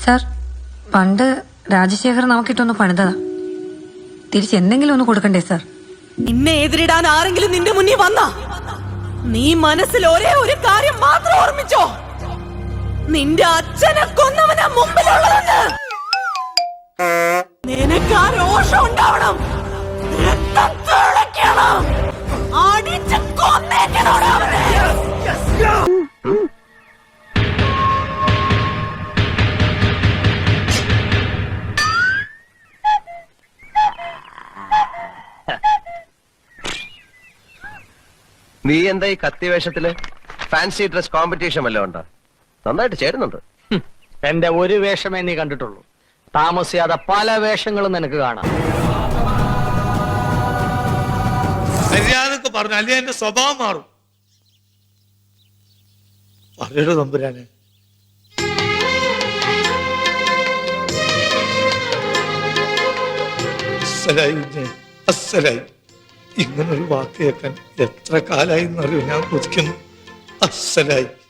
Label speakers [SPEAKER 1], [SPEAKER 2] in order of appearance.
[SPEAKER 1] Sir, പണ്ട് രാജശേഖർ നമുക്കിട്ടൊന്ന് പണിതതാ. തിരിച്ചെന്തെങ്കിലും ഒന്ന് കൊടുക്കണ്ടേ സാർ?
[SPEAKER 2] നിന്നെ എതിരിടാൻ ആരെങ്കിലും നിന്റെ മുന്നിൽ വന്ന നീ മനസ്സിൽ ഒരേ ഒരു കാര്യം മാത്രം ഓർമ്മിച്ചോ, നിന്റെ അച്ഛനെ കൊന്നവനാ മുമ്പിലുള്ളതെന്ന്. നിനക്ക് ആ രോഷം ഉണ്ടാവണം, രക്തം തിളയ്ക്കണം, അടിച്ച് കൊന്നേക്കണോടാ അവനെ.
[SPEAKER 3] നീ എന്താ ഈ കത്തിവേഷത്തില്? ഫാൻസി ഡ്രസ് കോമ്പറ്റീഷൻ വല്ലതും ഉണ്ടോ? നന്നായിട്ട് ചേരുന്നുണ്ട്.
[SPEAKER 4] എന്റെ ഒരു വേഷമേ നീ കണ്ടിട്ടുള്ളൂ. താമസിയാതെ പല വേഷങ്ങളും നിനക്ക് കാണാം.
[SPEAKER 5] മര്യാദക്ക് പറഞ്ഞു, അല്ലെങ്കിൽ എന്റെ സ്വഭാവം മാറും. പറയടോ തമ്പുരാനെ. അസ്സലായി. ഇങ്ങനൊരു വാക്ക് കേൾക്കാൻ എത്ര കാലായി എന്നറിയോ ഞാൻ കൊതിക്കുന്നു. അസ്സലായി.